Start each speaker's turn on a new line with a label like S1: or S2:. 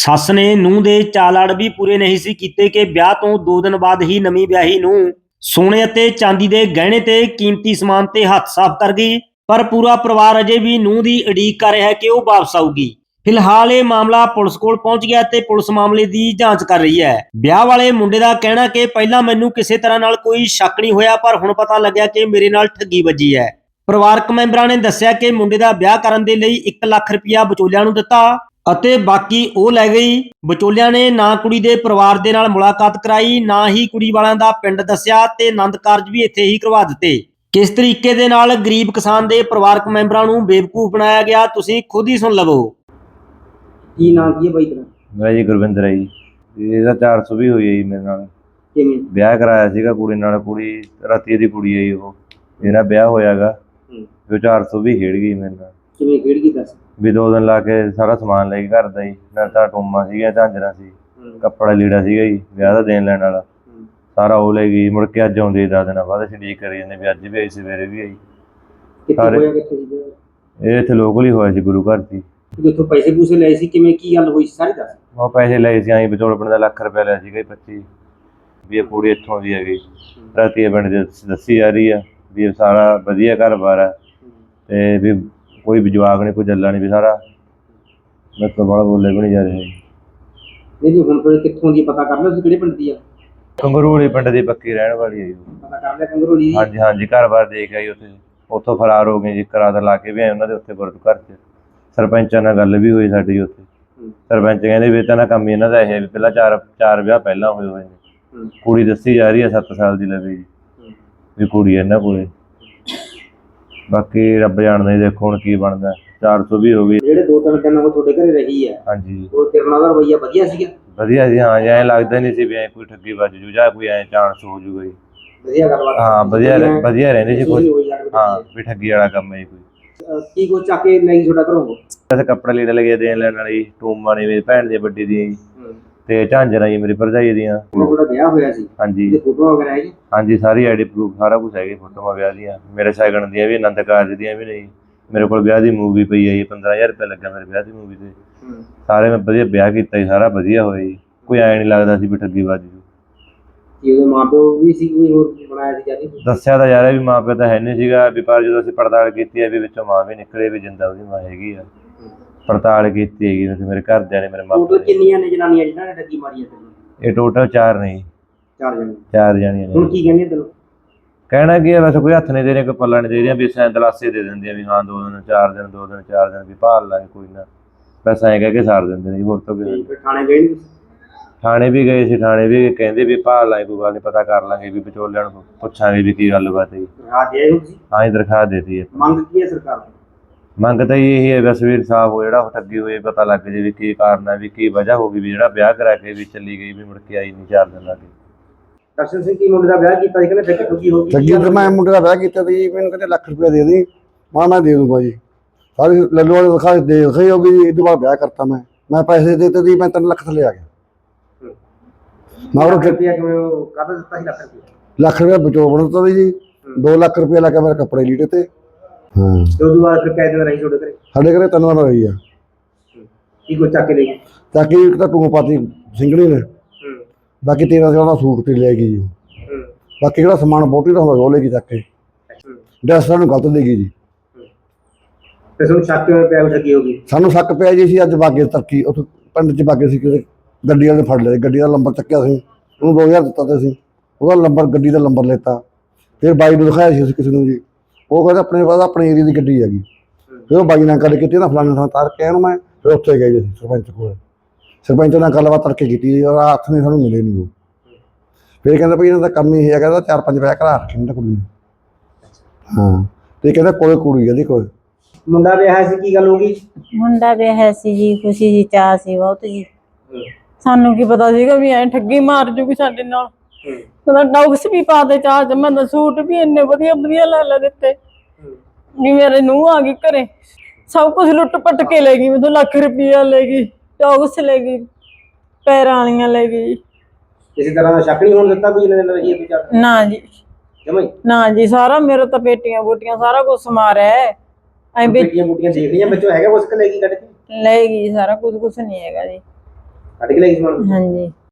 S1: ਸੱਸ ਨੇ ਨੂੰਹ ਦੇ ਚਾਲਾੜ ਵੀ ਪੂਰੇ ਨਹੀਂ ਸੀ ਕੀਤੇ ਕਿ ਵਿਆਹ ਤੋਂ 2 ਦਿਨ ਬਾਅਦ ਹੀ ਨਵੀਂ ਵਿਆਹੀ ਨੂੰ ਸੋਨੇ ਅਤੇ ਚਾਂਦੀ ਦੇ ਗਹਿਣੇ ਤੇ ਕੀਮਤੀ ਸਮਾਨ ਤੇ ਹੱਥ ਸਾਫ਼ ਕਰ ਗਈ। ਪਰ ਪੂਰਾ ਪਰਿਵਾਰ ਅਜੇ ਵੀ ਨੂੰਹ ਦੀ ਉਡੀਕ ਕਰ ਰਿਹਾ ਹੈ ਕਿ ਉਹ ਵਾਪਸ ਆਊਗੀ। ਫਿਲਹਾਲ ਇਹ ਮਾਮਲਾ ਪੁਲਿਸ ਕੋਲ ਪਹੁੰਚ ਗਿਆ ਤੇ ਪੁਲਿਸ ਮਾਮਲੇ ਦੀ ਜਾਂਚ ਕਰ ਰਹੀ ਹੈ। ਵਿਆਹ ਵਾਲੇ ਮੁੰਡੇ ਦਾ ਕਹਿਣਾ ਕਿ ਪਹਿਲਾਂ ਮੈਨੂੰ ਕਿਸੇ ਤਰ੍ਹਾਂ ਨਾਲ ਕੋਈ ਸ਼ੱਕ ਨਹੀਂ ਹੋਇਆ, ਪਰ ਹੁਣ ਪਤਾ ਲੱਗਿਆ ਕਿ ਮੇਰੇ ਨਾਲ ਠੱਗੀ ਵੱਜੀ ਹੈ। ਪਰਿਵਾਰਕ ਮੈਂਬਰਾਂ ਨੇ ਦੱਸਿਆ ਕਿ ਮੁੰਡੇ ਦਾ ਵਿਆਹ ਕਰਨ ਦੇ ਲਈ 1 ਲੱਖ ਰੁਪਇਆ ਵਿਚੋਲਿਆਂ ਨੂੰ ਦਿੱਤਾ ਅਤੇ ਬਾਕੀ ਉਹ ਲੈ ਗਈ। ਵਿਚੋਲਿਆਂ ਨੇ ਨਾ ਕੁੜੀ ਦੇ ਪਰਿਵਾਰ ਦੇ ਨਾਲ ਮੁਲਾਕਾਤ ਕਰਾਈ, ਨਾ ਹੀ ਕੁੜੀ ਵਾਲਿਆਂ ਦਾ ਪਿੰਡ ਦੱਸਿਆ ਤੇ ਆਨੰਦ ਕਾਰਜ ਵੀ ਇੱਥੇ ਹੀ ਕਰਵਾ ਦਿੱਤੇ। ਕਿਸ ਤਰੀਕੇ ਦੇ ਨਾਲ ਗਰੀਬ ਕਿਸਾਨ ਦੇ ਪਰਿਵਾਰਕ ਮੈਂਬਰਾਂ ਨੂੰ ਬੇਵਕੂਫ ਬਣਾਇਆ ਗਿਆ, ਤੁਸੀਂ ਖੁਦ ਹੀ ਸੁਣ ਲਵੋ।
S2: ਕੀ ਨਾਮ ਕੀ ਹੈ ਬਾਈ ਤੇਰਾ?
S3: ਮੇਰਾ ਜੀ ਗੁਰਵਿੰਦਰ ਹੈ ਜੀ। ਇਹਦਾ 400 ਵੀ ਹੋਈ ਹੈ ਜੀ ਮੇਰੇ ਨਾਲ।
S2: ਕਿਵੇਂ
S3: ਵਿਆਹ ਕਰਾਇਆ ਸੀਗਾ ਕੁੜੀ ਨਾਲ, ਕੁੜੀ ਰਾਤੀ ਦੀ ਕੁੜੀ ਹੈ ਜੀ। ਉਹ ਮੇਰਾ ਵਿਆਹ ਹੋਇਆਗਾ ਜੋ 400 ਵੀ ਖੇਡ ਗਈ ਮੇਰੇ ਨਾਲ।
S2: ਕਿਵੇਂ ਖੇਡ ਗਈ ਦੱਸ?
S3: ਵੀ 2 ਦਿਨ ਲਾ ਕੇ ਸਾਰਾ ਸਮਾਨ ਲੈ ਕੇ ਘਰ ਦਾ ਜੀ। ਨਾਲ ਤਾਂ ਟੂਮਾਂ ਸੀਗੀਆਂ, ਝਾਂਜਰਾਂ ਸੀ, ਕੱਪੜਾ ਲੀੜਾ ਸੀਗਾ ਜੀ ਵਿਆਹ ਦਾ ਦੇਣ ਲੈਣ ਵਾਲਾ, ਸਾਰਾ ਉਹ ਲੈ ਗਈ। ਮੁੜ ਕੇ ਅੱਜ ਆਉਂਦੀ 10 ਦਿਨਾਂ ਬਾਅਦ ਅਸੀਂ ਉਡੀਕ ਕਰੀ ਜਾਂਦੇ ਵੀ ਅੱਜ ਵੀ ਆਈ, ਸਵੇਰੇ ਵੀ ਆਈ।
S2: ਕਿੱਥੇ ਸੀ
S3: ਇਹ ਇੱਥੇ ਲੋਕਲ ਹੀ ਹੋਇਆ ਸੀ, ਗੁਰੂ ਘਰ ਸੀ।
S2: ਜਿੱਥੋਂ ਪੈਸੇ ਪੂਸੇ ਲਏ ਸੀ, ਕਿਵੇਂ ਕੀ ਗੱਲ ਹੋਈ ਸੀ ਸਾਰੀ ਦੱਸ।
S3: ਉਹ ਪੈਸੇ ਲਏ ਸੀ ਆਈ ਵਿਚੋਲਪਣ ਦਾ 1 ਲੱਖ ਰੁਪਇਆ ਲਿਆ ਸੀਗਾ 25 ਵੀ ਇਹ ਕੁੜੀ ਇੱਥੋਂ ਦੀ ਹੈਗੀ। ਰਾਤੀ ਪਿੰਡ ਦੇ ਦੱਸੀ ਜਾ ਰਹੀ ਆ ਵੀ ਇਹ ਸਾਰਾ ਵਧੀਆ ਘਰ-ਬਾਰ ਹੈ ਤੇ ਵੀ ਕੋਈ ਵੀ ਜਵਾਕ ਨਹੀਂ, ਕੋਈ ਜੱਲਾ ਨਹੀਂ, ਵੀ ਸਾਰਾ ਮੇਰੇ ਤੋਂ ਬੜਾ ਬੋਲੇ ਵੀ ਨਹੀਂ ਜਾ ਰਿਹਾ ਜੀ।
S2: ਨਹੀਂ ਜੀ, ਹੁਣ ਫਿਰ ਕਿੱਥੋਂ ਦੀ ਪਤਾ ਕਰ ਲਿਆ ਤੁਸੀਂ, ਕਿਹੜੇ ਪਿੰਡ ਦੀ ਆ?
S3: ਕੰਗਰੂਲੀ ਪਿੰਡ ਦੀ ਪੱਕੀ ਰਹਿਣ ਵਾਲੀ ਹੈ ਜੀ।
S2: ਪਤਾ ਕਰ ਲਿਆ ਕੰਗਰੂਲੀ?
S3: ਹਾਂਜੀ ਹਾਂਜੀ, ਘਰ-ਬਾਰ ਦੇਖ ਆਈ ਉੱਥੇ। ਉੱਥੋਂ ਫਰਾਰ ਹੋ ਗਏ ਜੀ, ਕਰਾਰ ਲਾ ਕੇ ਵੀ ਆਏ ਉਹਨਾਂ ਦੇ ਉੱਥੇ ਗੁਰੂ ਘਰ 'ਚ। ਸਰਪੰਚਾਂ ਨਾਲ ਗੱਲ ਵੀ ਹੋਈ ਸਾਡੀ ਉੱਥੇ। ਸਰਪੰਚ ਕਹਿੰਦੇ ਵੀ ਤਾਂ ਨਾ ਕੰਮ ਹੀ ਇਹਨਾਂ ਦਾ ਇਹ ਵੀ ਪਹਿਲਾਂ ਚਾਰ ਵਿਆਹ ਪਹਿਲਾਂ ਹੋਏ ਨੇ। ਕੁੜੀ ਦੱਸੀ ਜਾ ਰਹੀ ਹੈ 7 ਸਾਲ ਦੀ ਲਵੇ ਜੀ ਵੀ ਕੁੜੀ ਇਹਨਾਂ ਕੋਲੇ। ਬਾਕੀ ਰੱਬ ਜਾਣਦਾ ਜੀ, ਦੇਖੋ ਹੁਣ ਕੀ ਬਣਦਾ। 400 ਵੀ ਹੋ ਗਈ। ਜਿਹੜੇ
S2: 2-3 ਦਿਨ ਉਹ ਤੁਹਾਡੇ ਘਰੇ ਰਹੀ ਹੈ,
S3: ਹਾਂਜੀ,
S2: ਉਹ ਤੇਰੇ ਨਾਲ ਦਾ ਰਵੱਈਆ ਵਧੀਆ ਸੀਗਾ?
S3: ਵਧੀਆ ਜੀ। ਹਾਂ, ਐਂ ਲੱਗਦਾ ਨਹੀਂ ਸੀ ਵੀ ਐਂ ਕੋਈ ਠੱਗੀ ਵੱਜ ਜੂ ਜਾਂ ਕੋਈ ਐਂ ਚਾਂਸ ਹੋ ਜੂਗਾ ਜੀ।
S2: ਵਧੀਆ ਗੱਲਬਾਤ?
S3: ਹਾਂ, ਵਧੀਆ ਰਹਿੰਦੀ ਸੀ ਕੋਈ। ਹਾਂ, ਵੀ ਠੱਗੀ ਵਾਲਾ ਕੰਮ ਹੈ ਕੋਈ।
S2: ਕੀ ਕੁਛ ਚੱਕ ਕੇ ਲੈ ਗਈ ਤੁਹਾਡਾ ਘਰੋਂ?
S3: ਵੈਸੇ ਕੱਪੜੇ ਲੀੜੇ ਲੱਗੇ ਦੇਣ ਲੈਣ ਵਾਲੀ, ਟੂਮਾਂ ਨੇ ਮੇਰੀ ਭੈਣ ਦੀ ਵੱਡੀ ਦੀ ਤੇ ਝਾਂਜਰਾਂ ਜੀ ਮੇਰੀ ਭਰਜਾਈ ਦੀਆਂ।
S2: ਤੁਹਾਡਾ ਵਿਆਹ ਹੋਇਆ ਸੀ?
S3: ਹਾਂਜੀ।
S2: ਫੋਟੋ ਵਗੈਰਾ ਹੈਗੀ?
S3: ਹਾਂਜੀ, ਸਾਰੀ ਆਈਡੀ ਪ੍ਰੂਫ ਸਾਰਾ ਕੁਛ ਹੈਗੀ, ਫੋਟੋਆਂ ਵਿਆਹ ਦੀਆਂ, ਮੇਰੇ ਸ਼ਗਨ ਦੀਆਂ ਵੀ, ਆਨੰਦ ਕਾਰਜ ਦੀਆਂ ਵੀ ਨਹੀਂ। ਮੇਰੇ ਕੋਲ ਵਿਆਹ ਦੀ ਮੂਵੀ ਪਈ ਹੈ ਜੀ, 15,000 ਰੁਪਇਆ ਲੱਗਾ ਮੇਰੇ ਵਿਆਹ ਦੀ ਮੂਵੀ ਤੇ। ਸਾਰੇ ਮੈਂ ਵਧੀਆ ਵਿਆਹ ਕੀਤਾ ਜੀ, ਸਾਰਾ ਵਧੀਆ ਹੋਇਆ ਜੀ। ਕੋਈ ਐਂ ਨਹੀਂ ਲੱਗਦਾ ਸੀ ਵੀ ਠੱਗੀ ਵੱਜ ਜੂ।
S2: ਉਹਦੇ ਮਾਂ-ਪਿਓ ਵੀ ਸੀ, ਕੋਈ ਹੋਰ ਬਣਾਇਆ ਸੀ ਜਾਨੀ?
S3: ਦੱਸਿਆ ਤਾਂ ਯਾਰ ਵੀ ਮਾਂ-ਪਿਓ ਤਾਂ ਹੈ ਨਹੀਂ ਸੀਗਾ ਵੀ, ਪਰ ਜਦੋਂ ਅਸੀਂ ਪੜਤਾਲ ਕੀਤੀ ਹੈ ਵੀ ਵਿੱਚੋਂ ਮਾਂ ਵੀ ਨਿਕਲੇ ਵੀ ਜਿੰਦਾ ਉਹਦੀ ਮਾਂ ਹੈਗੀ ਆ। ਪੜਤਾਲ ਕੀਤੀ ਹੈਗੀ ਮੇਰੇ ਘਰਦਿਆਂ ਨੇ, ਮੇਰੇ ਮਾਪੇ।
S2: ਟੋਟਲ ਕਿੰਨੀਆਂ ਨੇ ਜਨਾਨੀਆਂ ਜਿਹਨਾਂ ਨੇ ਠੱਗੀ ਮਾਰੀ ਹੈ ਤੈਨੂੰ?
S3: ਇਹ ਟੋਟਲ 4 ਨੇ ਜੀ।
S2: 4
S3: ਜਾਣੀਆਂ ਨੇ।
S2: ਹੁਣ ਕੀ ਕਹਿੰਦੇ ਤੈਨੂੰ?
S3: ਕਹਿਣਾ ਕੀ ਹੈ, ਬਸ ਕੋਈ ਹੱਥ ਨਹੀਂ ਦੇ ਰਿਹਾ, ਕੋਈ ਪੱਲਾ ਨਹੀਂ ਦੇ ਰਿਹਾ, ਵੀ ਦਲਾਸੇ ਦੇ ਦਿੰਦੇ ਆ ਵੀ ਹਾਂ 2 ਦਿਨ 4 ਦਿਨ 2 ਦਿਨ 4 ਦਿਨ ਵੀ ਭਾਲ ਲਾਂਗੇ ਕੋਈ ਨਾ, ਬਸ ਐਂ ਕਹਿ ਕੇ ਸਾਰ ਦਿੰਦੇ ਨੇ ਜੀ। ਹੋਰ ਤਾਂ ਕੋਈ।
S2: ਥਾਣੇ ਗਏ ਨਹੀਂ?
S3: ਥਾਣੇ ਵੀ ਗਏ ਸੀ, ਥਾਣੇ ਵੀ ਕਹਿੰਦੇ ਵੀ ਭਾਲ ਲਾਂਗੇ, ਕੋਈ ਗੱਲ ਨਹੀਂ, ਪਤਾ ਕਰ ਲਾਂਗੇ, ਵੀ ਵਿਚੋਲਿਆਂ ਨੂੰ ਪੁੱਛਾਂਗੇ ਵੀ ਕੀ ਗੱਲਬਾਤ ਹੈ ਜੀ। ਹਾਂ ਜੀ, ਦਰਖਾਸਤ ਦੇਤੀ ਹੈ।
S2: ਮੰਗ ਕੀ ਹੈ ਸਰਕਾਰ ਦੀ?
S3: ਮੰਗ ਤਾਂ ਇਹੀ ਹੈ ਬਸ ਵੀ ਇਨਸਾਫ ਹੋ, ਜਿਹੜਾ ਠੱਗੀ ਹੋਈ ਪਤਾ ਲੱਗ ਜੇ ਵੀ ਕੀ ਕਾਰਨ ਹੈ, ਵੀ ਕੀ ਵਜ੍ਹਾ ਹੋ ਗਈ ਵੀ ਜਿਹੜਾ ਵਿਆਹ ਕਰਾ ਕੇ ਵੀ ਚਲੀ ਗਈ, ਵੀ ਮੁੜ ਕੇ ਆਈ ਨਹੀਂ 4 ਦਿਨ ਲੱਗੇ।
S2: ਦਰਸ਼ਨ ਸਿੰਘ ਕੀ ਮੁੰਡੇ ਦਾ ਵਿਆਹ ਕੀਤਾ ਸੀ, ਕਹਿੰਦੇ ਠੱਗੀ ਹੋ ਗਈ?
S4: ਠੱਗੀ ਤੇ ਮੈਂ ਮੁੰਡੇ ਦਾ ਵਿਆਹ ਕੀਤਾ ਸੀ, ਮੈਨੂੰ ਕਹਿੰਦੇ 1 ਲੱਖ ਰੁਪਇਆ ਦੇ ਦੇ। ਮੈਂ ਦੇ ਦੂੰਗਾ ਜੀ। ਸਾਰੀ ਲੱਲੂ ਵਾਲੇ ਦਿਖਾਈ ਹੋ ਗਈ ਜੀ। ਇਹ ਤੋਂ ਬਾਅਦ ਵਿਆਹ ਕਰਤਾ ਮੈਂ ਪੈਸੇ ਦੇ ਦਿੱਤੇ ਸੀ, ਮੈਂ 3 ਲੱਖ ਥੱਲੇ ਆ ਗਿਆ।
S2: ਮੈਂ ਉਹ ਰੁਪਇਆ ਕਿਵੇਂ ਕਾਹਦਾ ਦਿੱਤਾ ਸੀ? 1 ਲੱਖ ਰੁਪਇਆ?
S4: 1 ਲੱਖ ਰੁਪਇਆ ਵਿਚੋਲਣ ਦਿੱਤਾ ਸੀ ਜੀ। 2 ਲੱਖ ਰੁਪਇਆ ਲੱਗਾ ਮੇਰੇ ਕੱਪੜੇ ਲੀੜੇ ਤੇ। ਹਾਂ,
S2: ਉਦੋਂ ਬਾਅਦ ਫਿਰ ਕਿੰਨੇ ਦਿਨ ਰਹੀ ਤੁਹਾਡੇ ਘਰੇ?
S4: ਸਾਡੇ ਘਰੇ 3 ਦਿਨ ਰਹੀ ਆ।
S2: ਕੀ ਕੁਛ ਚੱਕ ਕੇ ਲੈ ਗਏ?
S4: ਤਾਂ ਕਿ ਇੱਕ ਤਾਂ ਟੂੰ ਪਾਤੀ ਸਿੰਗੜੀ ਨੇ, ਬਾਕੀ 1300 ਦਾ ਸੂਟ ਤੇ ਲੈ ਗਈ ਜੀ। ਬਾਕੀ ਜਿਹੜਾ ਸਮਾਨ ਬਹੁਤੀ ਦਾ ਹੁੰਦਾ ਉਹ ਲੈ ਗਈ ਚੱਕ ਕੇ। ਡਰੈਸ ਸਾਨੂੰ ਗਲਤ ਦੇ ਗਈ ਜੀ।
S2: ਤੇ ਤੁਹਾਨੂੰ ਸ਼ੱਕ ਕਿਵੇਂ ਪਿਆ ਠੱਗੀ ਹੋ ਗਈ?
S4: ਸਾਨੂੰ ਸ਼ੱਕ ਪਿਆ ਜੀ, ਅਸੀਂ ਅੱਜ ਬਾਗੇ ਤਰੱਕੀ ਉੱਥੇ ਪਿੰਡ 'ਚ ਬਾਗੇ ਸੀ, ਕਿਸੇ ਗੱਡੀ ਵਾਲੇ ਫੜ ਲਿਆ। ਗੱਡੀ ਦਾ ਨੰਬਰ ਚੱਕਿਆ ਸੀ, ਉਹਨੂੰ 2000 ਦਿੱਤਾ ਤੇ ਅਸੀਂ ਉਹਦਾ ਨੰਬਰ, ਗੱਡੀ ਦਾ ਨੰਬਰ ਲੈਤਾ। ਫਿਰ ਬਾਈ ਨੂੰ ਦਿਖਾਇਆ ਸੀ ਅਸੀਂ ਕਿਸੇ ਨੂੰ ਜੀ। ਉਹ ਕਹਿੰਦਾ ਆਪਣੇ ਪਾਸ ਆਪਣੇ ਏਰੀਆ ਦੀ ਗੱਡੀ ਹੈਗੀ। ਫਿਰ ਉਹ ਬਾਈ ਨਾਲ ਗੱਲ ਕੀਤੀ ਨਾ, ਫਲਾਣੇ ਥਾਂ ਤਾਰ ਕੇ ਇਹਨੂੰ ਮੈਂ। ਫਿਰ ਉੱਥੇ ਗਏ ਜੀ ਅਸੀਂ ਸਰਪੰਚ ਕੋਲ। ਸਰਪੰਚ ਨਾਲ ਗੱਲਬਾਤ ਕਰਕੇ ਕੀਤੀ ਔਰ ਹੱਥ ਨੇ ਸਾਨੂੰ ਮਿਲੇ ਨਹੀਂ ਉਹ। ਫਿਰ ਕਹਿੰਦਾ ਭਾਈ ਇਹਨਾਂ ਦਾ ਕੰਮ ਹੀ ਇਹ ਹੈਗਾ, 4-5 ਵਿਆਹ ਕਰਾ ਰੱਖੇ ਨੇ ਕੁੜੀ ਨੇ। ਹਾਂ, ਤੇ ਕਹਿੰਦਾ ਕੋਲੇ ਕੁੜੀ ਇਹਦੇ ਕੋਲ।
S2: ਮੁੰਡਾ ਵਿਆਹਿਆ ਸੀ, ਕੀ ਗੱਲ ਹੋ ਗਈ?
S5: ਮੁੰਡਾ ਵਿਆਹਿਆ ਸੀ ਜੀ, ਖੁਸ਼ੀ ਜੀ, ਚਾਅ ਸੀ ਬਹੁਤ ਜੀ। ਸਾਨੂੰ ਕੀ ਪਤਾ ਸੀਗਾ ਵੀ ਐ ਠੱਗੀ ਮਾਰ ਜੂਗੀ ਸਾਡੇ ਨਾਲ। ਉਹਦਾ ਡੌਕਸ ਵੀ ਪਾ ਦੇ ਚਾਹ ਚ, ਮੈਂ ਸੂਟ ਵੀ ਇੰਨੇ ਵਧੀਆ ਵਧੀਆ ਲੈ ਦਿੱਤੇ ਵੀ ਮੇਰੇ ਨੂੰਹ ਆ ਗਈ ਘਰੇ, ਸਭ ਕੁਝ ਲੁੱਟ ਪੱਟ ਕੇ ਲੈ ਗਈ। ਮੈਨੂੰ 1 ਲੱਖ ਰੁਪਇਆ ਲੈ ਗਈ, ਡੌਕਸ ਲੈ ਗਈ, ਪੈਰਾਂ ਵਾਲੀਆਂ ਲੈ ਗਈ।
S2: ਕਿਸੇ ਤਰ੍ਹਾਂ ਦਾ ਸ਼ੱਕ ਨਹੀਂ ਹੋਣ ਦਿੱਤਾ ਕੋਈ ਇਹਨਾਂ ਦੇ ਰਹੀ ਹੈ?
S5: ਨਾ ਜੀ, ਨਾ ਜੀ, ਸਾਰਾ ਮੇਰੇ ਤਾਂ ਪੇਟੀਆਂ ਬੂਟੀਆਂ ਸਾਰਾ ਕੁਝ ਮਾਰਿਆ।
S2: ਪੇਟੀਆਂ ਬੂਟੀਆਂ ਦੇਖ ਲਈਆਂ, ਬੱਚੋ ਹੈਗਾ ਕੁਛ ਕਿ ਲੈ ਗਈ ਕੱਢ ਕੇ?
S5: ਲੈ ਗਈ ਸਾਰਾ ਕੁਝ, ਕੁਝ ਨਹੀਂ ਹੈਗਾ ਜੀ।
S2: ਕੱਢ ਕੇ ਲੈ ਗਈ ਸਮਾਨ?
S5: ਹਾਂਜੀ